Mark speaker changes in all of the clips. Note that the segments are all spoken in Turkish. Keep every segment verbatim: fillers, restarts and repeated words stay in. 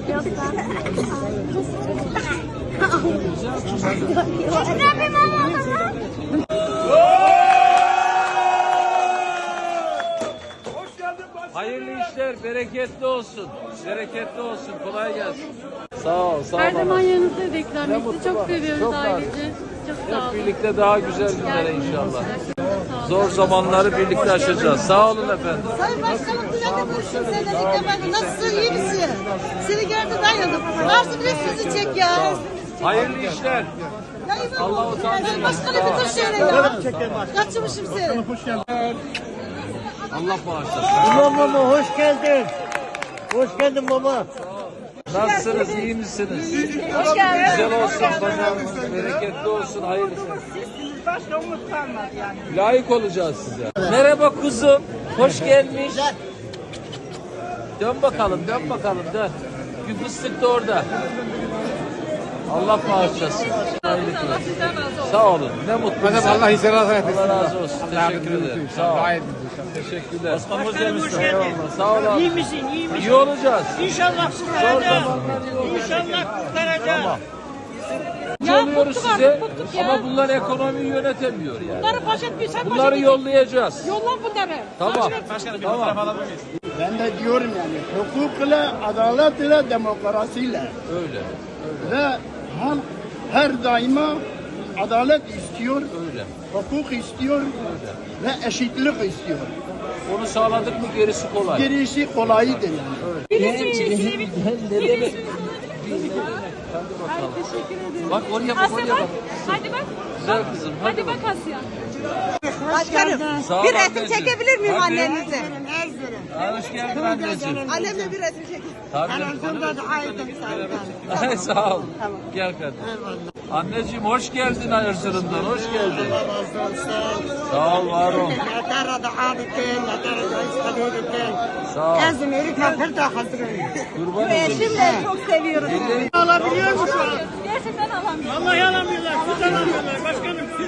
Speaker 1: Hayırlı işler, bereketli olsun. Bereketli olsun, kolay gelsin. Sağ ol, sağ ol.
Speaker 2: Her zaman yanınızda reklam
Speaker 1: Ne
Speaker 2: etti.
Speaker 1: mutlu
Speaker 2: Çok
Speaker 1: bana.
Speaker 2: seviyoruz
Speaker 1: Çok
Speaker 2: ailece. Çok sağ
Speaker 1: Hep
Speaker 2: olun.
Speaker 1: birlikte daha güzel günlere
Speaker 2: Geldiniz.
Speaker 1: inşallah.
Speaker 2: Çok sağ olun.
Speaker 1: Zor zamanları birlikte aşacağız. Sağ olun efendim.
Speaker 3: Sayın Başkanım kullandı görüşüm seninle ilk defa. Nasılsın, iyi misin? Seni gördüm dayandım. Varsın bir sizi çek ya.
Speaker 1: Hayırlı işler.
Speaker 3: Ya İmam
Speaker 1: Allah
Speaker 3: olsun.
Speaker 1: utandırmasın.
Speaker 3: Sayın Başkanım bir dur şöyle ya. Kaçırmışım seni.
Speaker 1: Allah bağışlasın.
Speaker 4: İmam baba hoş geldin. Hoş geldin baba.
Speaker 1: Nasılsınız, iyi misiniz?
Speaker 2: Hoş geldiniz.
Speaker 1: Güzel olsun pazarınız, bereketli olsun, hayırlısı.
Speaker 3: Başka umut kalmadı yani.
Speaker 1: Layık olacağız size. Merhaba kuzum, hoş gelmiş. Dön bakalım, dön bakalım, dön. Bir fıstık da orada. Allah bağışlasın. Hayırlı
Speaker 2: Allah sizden razı olsun.
Speaker 1: Sağ olun. Ne mutlu. bize.
Speaker 5: Allah izin razı etsin.
Speaker 1: Allah razı olsun. Teşekkür ederim. Sağ ol. Teşekkürler. Başkanım hoş geldiniz. Eyvallah. Sağ ol abi.
Speaker 6: İyi misin? İyi misin?
Speaker 1: İyi olacağız.
Speaker 6: İnşallah
Speaker 1: Zor
Speaker 6: kurtaracağız.
Speaker 1: zamanlar iyi olacak.
Speaker 6: İnşallah kurtaracağız.
Speaker 1: Tamam.
Speaker 2: Ya
Speaker 1: Oluyoruz
Speaker 2: bıktık
Speaker 1: size
Speaker 2: artık, bıktık ya.
Speaker 1: ama bunlar ekonomiyi yönetemiyor yani.
Speaker 6: Bunları poşet bir sen
Speaker 1: Bunları
Speaker 6: poşet
Speaker 1: yollayacağız.
Speaker 6: Yollan bunları.
Speaker 1: Tamam. Tamam.
Speaker 5: Ben de diyorum yani hukukla, adaletle, demokrasiyle
Speaker 1: Öyle.
Speaker 5: ve halk her daima adalet istiyor,
Speaker 1: Öyle.
Speaker 5: hukuk istiyor ve eşitlik istiyor.
Speaker 1: Onu sağladık mı gerisi kolay.
Speaker 5: Gerisi kolaydır yani.
Speaker 1: Ne demek? Hadi bakalım. Bak oraya bak, oraya bak.
Speaker 2: Hadi bak.
Speaker 1: Güzel kızım. Hadi,
Speaker 2: Hadi bak Asya.
Speaker 3: Başkanım
Speaker 1: Sağ ol
Speaker 3: bir resim
Speaker 1: anneciğim.
Speaker 3: çekebilir miyim
Speaker 1: Hadi.
Speaker 3: annenize?
Speaker 1: Ha, hoş geldin anneciğim.
Speaker 3: Annemle bir resim çekeyim.
Speaker 1: Tabii. Ay, sağ ol. Gel kardeşim. Anneciğim hoş geldin Erzurum'dan. Hoş geldin. Sağ ol, var ol. Sağ ol. Kurban olayım.
Speaker 3: Eşim de çok seviyorum.
Speaker 5: Alabiliyor musun?
Speaker 2: Gerçekten alamıyorum.
Speaker 6: Vallahi alamıyorlar. Siz alamıyorlar. Başkanım siz.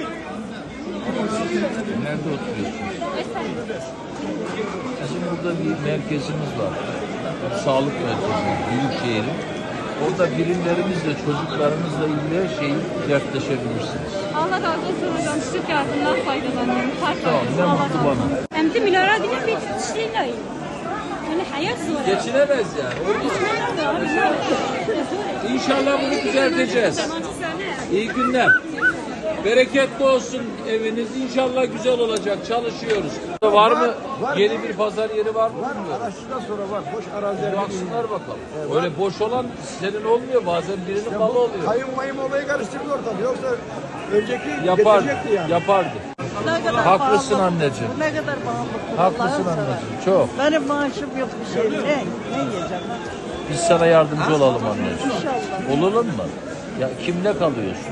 Speaker 1: Nerede oturuyorsun?
Speaker 2: Esenler.
Speaker 1: Bizim burada bir merkezimiz var. Sağlık merkezi, Büyükşehir'in. Orada birimlerimizle, çocuklarımızla ilgili her şeyi dertleşebilirsiniz.
Speaker 2: Allah razı olsun hocam. Çocuk yardımından faydalanıyorum. Fark
Speaker 1: Sağ ol, ne
Speaker 2: Allah
Speaker 1: mutlu
Speaker 2: razı olsun.
Speaker 1: bana.
Speaker 2: Hem de milyara değil bir kişiyle. Yani hayat zor.
Speaker 1: Geçinemez yani. O yüzden. İnşallah bunu düzelteceğiz. İyi günler. Bereketli olsun eviniz. İnşallah güzel olacak. Çalışıyoruz. Var mı? Yeni bir pazar yeri var mı? Var.
Speaker 4: Araçtan sonra var. Boş araziler.
Speaker 1: Baksınlar bakalım. Öyle boş olan senin olmuyor. Bazen birinin malı oluyor.
Speaker 4: Kayın mayın olayı karıştırdı ortalığı. Yoksa önceki
Speaker 1: Yapardı.
Speaker 4: getirecekti yani.
Speaker 1: Yapardı.
Speaker 3: Ne kadar
Speaker 1: Haklısın
Speaker 3: pahalı.
Speaker 1: anneciğim.
Speaker 3: Ne kadar pahalı.
Speaker 1: Haklısın anneciğim. Çok.
Speaker 3: Benim maaşım yok bir şey. Ne? Ne yiyeceğim?
Speaker 1: Biz sana yardımcı olalım anneciğim.
Speaker 3: İnşallah.
Speaker 1: Olalım mı? Ya kimle kalıyorsun?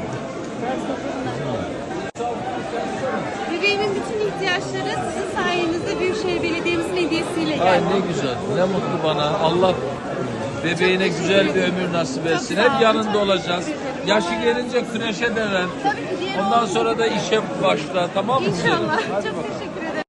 Speaker 2: Bebeğimin bütün ihtiyaçları sizin sayenizde Büyükşehir Belediye'mizin hediyesiyle
Speaker 1: Ay
Speaker 2: geldi.
Speaker 1: ne güzel. Ne mutlu bana. Allah bebeğine güzel bir ömür nasip etsin. Hep yanında olacağız. Yaşı gelince güneşe de ver.
Speaker 2: Tabii ki diğer
Speaker 1: Ondan sonra da işe başla. Tamam mı?
Speaker 2: İnşallah.
Speaker 1: Hadi
Speaker 2: Çok
Speaker 1: bakalım.
Speaker 2: teşekkür